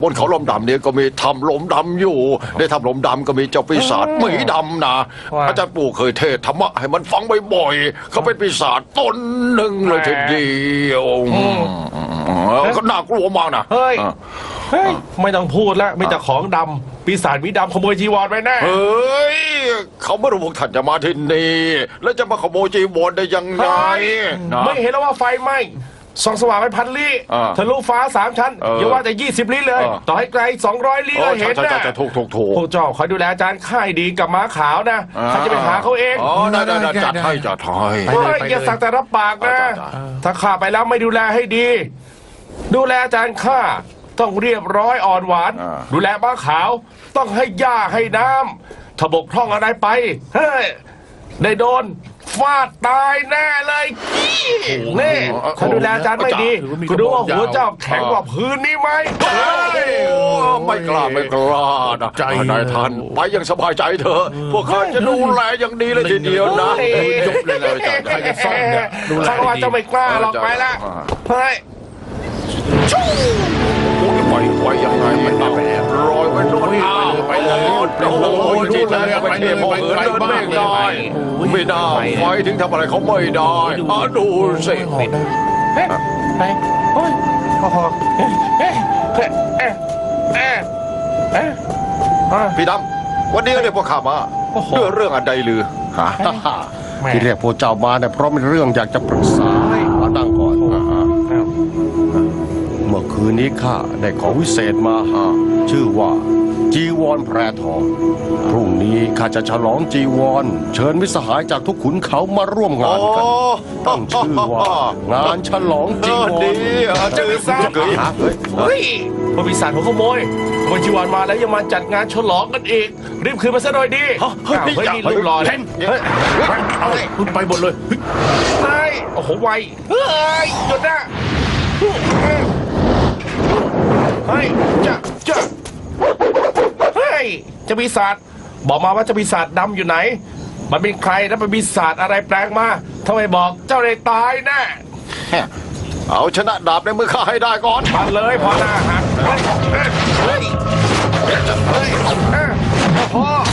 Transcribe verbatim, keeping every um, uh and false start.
บนเขาลมดำเนี่ยก็มีถ้ำลมดำอยู่ในถ้ำลมดำก็มีเจ้าปีศาจหมีดำนะอาจารย์ปู่เคยเทศธรรมะให้มันฟังบ่อยๆเขาเป็นปีศาจตนหนึ่งเลยทีเดียวก็น่ากลัวมากนะเฮ้ยเฮ้ยไม่ต้องพูดแล้วไม่แต่ของดำปีศาจหมีดำขโมยจีวรไปแน่เฮ้ยเขาไม่รู้พวกท่านจะมาที่นี่แล้วจะมาขโมยจีวรได้ยังไงไม่เห็นแล้วว่าไฟไหม้ส่องสว่างไปพันลี้ทะลุฟ้าสามชั้นอย่าว่าแต่ยี่สิบลี้เลยต่อให้ไกลสองร้อยลี้ก็เห็นนะจะถูกถูกถูกพวกเจ้าคอยดูแลอาจารย์ค่ายดีกับม้าขาวนะเขาจะไปหาเขาเองอ๋อได้ได้จัดให้จัดให้อย่าสักแต่รับปากนะถ้าข้าไปแล้วไม่ดูแลให้ดีดูแลอาจารย์ข้าต้องเรียบร้อยอ่อนหวานดูแลม้าขาวต้องให้หญ้าให้น้ำถ้าบกพร่องอะไรไปเฮ้ยได้โดนฟาดตายแน่เลยนี่ถ้าดูแลอาจารย์ไม่ดีก็ดูว่าหัวเจ้าแข็งกว่าพื้นนี่ไหมไม่กล้าไม่กล้านะใจนายท่านไปยังสบายใจเถอะพวกข้าจะดูแลอย่างดีเลยทีเดียวนะยกเลยเลยจ้ะใครจะซ่อนเนี่ยดูแลว่าจะไม่กล้าหรอกไปละเฮ้ยไปไปยังไงมันไปแล้วลอยไปโน่นไปเลยโอ้โหจีเลยไปเที่ยวเดินไม่ได้ไม่ได้ไฟถึงทำอะไรเขาไม่ได้อ่ะดูสิไปไปโอ้ยพอพอเอ๊ะเอ๊ะเอ๊ะเอ๊ะเอ๊ะพี่ดำวันนี้เรียกพวกข้ามาด้วยเรื่องอะไรลือฮะที่เรียกพวกเจ้ามาเนี่ยเพราะมีเรื่องอยากจะปรึกษามาตั้งก่อนเมื่อคืนนี้ข้าได้ของวิเศษมาชื่อว่าจีวรแพรทองพรุ่งนี้ข้าจะฉลองจีวรเชิญมิตรสหายจากทุกขุนเขามาร่วมงานกันตั้งชื่อว่างานฉลองจีวรจะปีศาจเฮ้ยพอปีศาจผมขโมยขโมยจีวรมาแล้วยังมาจัดงานฉลองกันอีกรีบคืนมาซะหน่อยดีเฮ้ยเฮ้ยนี่ลูกหล่อเลยเอาคุณไปหมดเลยเฮ้ยโอ้โหไวเฮ้ยหยุดนะเฮ้ยจะจะเฮ้ยจะปีศาจบอกมาว่าจะปีศาจดำอยู่ไหนมันเป็นใครแล้วเป็นปีศาจอะไรแปลงมาทำไมบอกเจ้าได้ตายแน่เอาชนะดาบในมือข้าให้ได้ก่อนมาเลยพอหน้าหักเฮ้ยเฮ้ยเฮ้ยเฮ้ยพ่อ